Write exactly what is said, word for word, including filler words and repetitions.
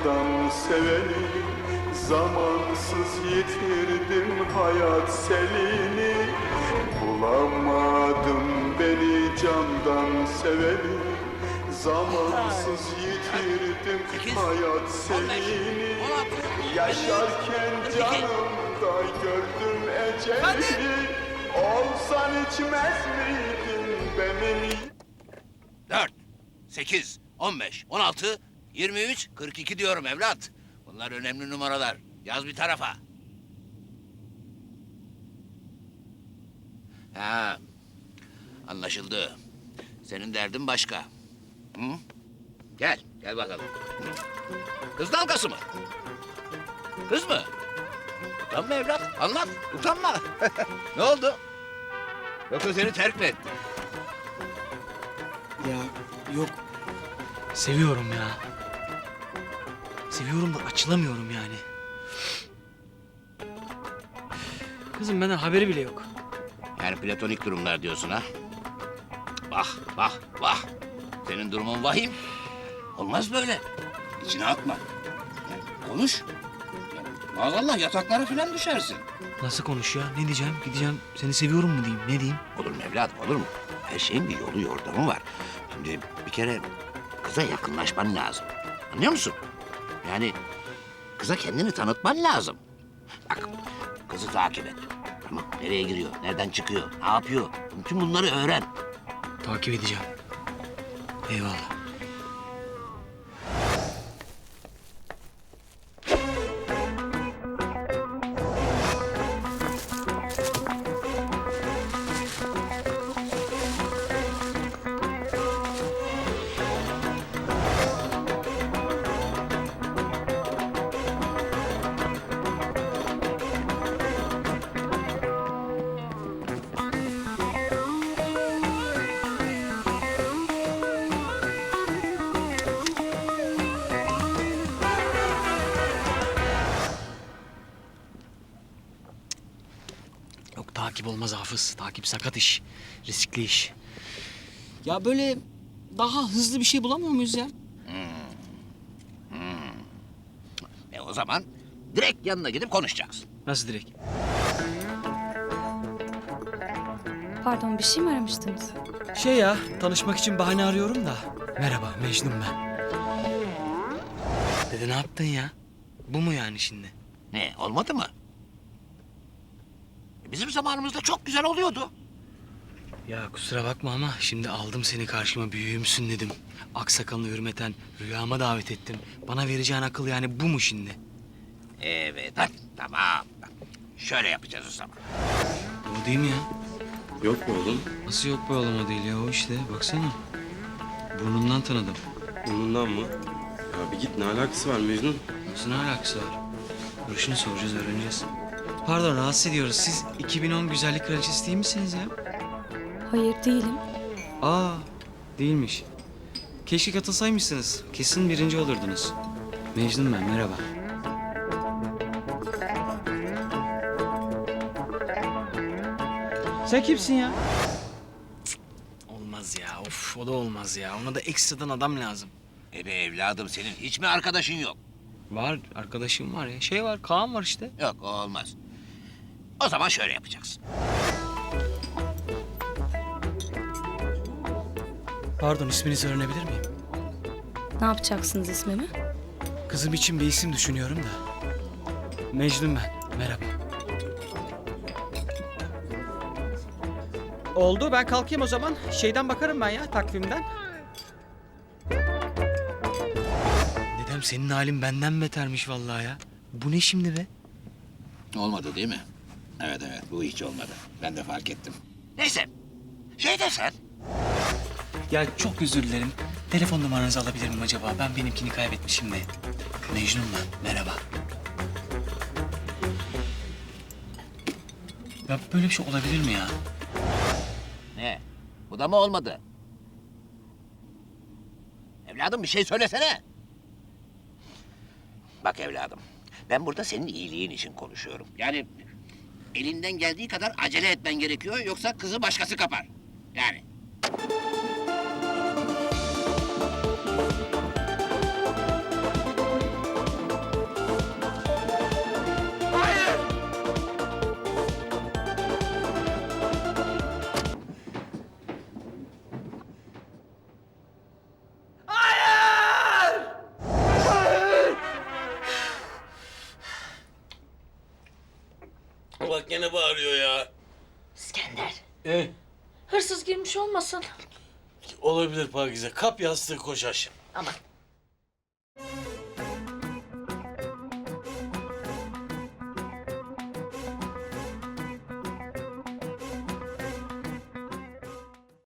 candan seveni, zamansız yitirdim hayat selini. Bulamadım beni candan seveni, zamansız yitirdim hayat selini. Yaşarken canımda gördüm eceli, olsan içmez miydin benim? Dört, sekiz, on beş, on altı, yirmi üç, kırk iki diyorum evlat. Bunlar önemli numaralar. Yaz bir tarafa. Ha, anlaşıldı. Senin derdin başka. Hı? Gel, gel bakalım. Kız dalgası mı? Kız mı? Utanma evlat, anlat. Utanma. Ne oldu? Yoksa seni terk mi etti? Ya yok. Seviyorum ya. Seviyorum da açılamıyorum yani. Kızım benden haberi bile yok. Yani platonik durumlar diyorsun ha? Vah, vah, vah. Senin durumun vahim. Olmaz böyle. İçine atma. Yani konuş. Yani maazallah yataklara falan düşersin. Nasıl konuş ya? Ne diyeceğim? Gideceğim seni seviyorum mu diyeyim? Ne diyeyim? Olur mu evladım, olur mu? Her şeyin bir yolu yordamı var. Şimdi bir kere kıza yakınlaşman lazım. Anlıyor musun? Yani kıza kendini tanıtman lazım. Bak, kızı takip et. Tamam, nereye giriyor, nereden çıkıyor, ne yapıyor? Bütün bunları öğren. Takip edeceğim. Eyvallah. Yok takip olmaz Hafız. Takip sakat iş. Riskli iş. Ya böyle daha hızlı bir şey bulamıyor muyuz ya? E o zaman direkt yanına gidip konuşacaksın. Nasıl direkt? Pardon, bir şey mi aramıştınız? Şey ya, tanışmak için bahane arıyorum da. Merhaba, Mecnun ben. Dede ne yaptın ya? Bu mu yani şimdi? Ne, olmadı mı? E, Bizim zamanımızda çok güzel oluyordu. Ya kusura bakma ama şimdi aldım seni karşıma büyüğümsün dedim. Aksakalını hürmeten rüyama davet ettim. Bana vereceğin akıl yani bu mu şimdi? Evet, hadi, tamam. Şöyle yapacağız o zaman. O değil mi ya? Yok mu oğlum? Nasıl yok bu oğlum o değil ya o işte baksana. Burnundan tanıdım. Bundan mı? Ya bir git, ne alakası var Mecnun? Nasıl ne alakası var? Görüşünü soracağız öğreneceğiz. Pardon rahatsız ediyoruz. Siz iki bin on güzellik kraliçesi değil misiniz ya? Hayır, değilim. Aa değilmiş. Keşke katılsaymışsınız. Kesin birinci olurdunuz. Mecnun ben merhaba. Sen kimsin ya? Cık, olmaz ya. Of o da olmaz ya. Ona da ekstradan adam lazım. E be evladım, senin hiç mi arkadaşın yok? Var arkadaşım var ya. Şey var Kaan var işte. Yok, o olmaz. O zaman şöyle yapacaksın. Pardon isminizi öğrenebilir miyim? Ne yapacaksınız ismimi? Kızım için bir isim düşünüyorum da. Mecnun ben. Merhaba. Oldu ben kalkayım o zaman. Şeyden bakarım ben ya takvimden. Dedem senin halin benden betermiş vallahi ya. Bu ne şimdi be? Olmadı değil mi? Evet evet, bu hiç olmadı. Ben de fark ettim. Neyse, şey desen. Ya çok özür dilerim. Telefon numaranızı alabilir miyim acaba? Ben benimkini kaybetmişim de. Mecnun ben. Merhaba. Ya böyle bir şey olabilir mi ya? Ne? Bu da mı olmadı? Evladım bir şey söylesene. Bak evladım, ben burada senin iyiliğin için konuşuyorum. Yani elinden geldiği kadar acele etmen gerekiyor, yoksa kızı başkası kapar. Yani. Bak gene bağırıyor ya. İskender, Eh, hırsız girmiş olmasın? olabilir Pakize. Kap yastığı koş aşağı. Aman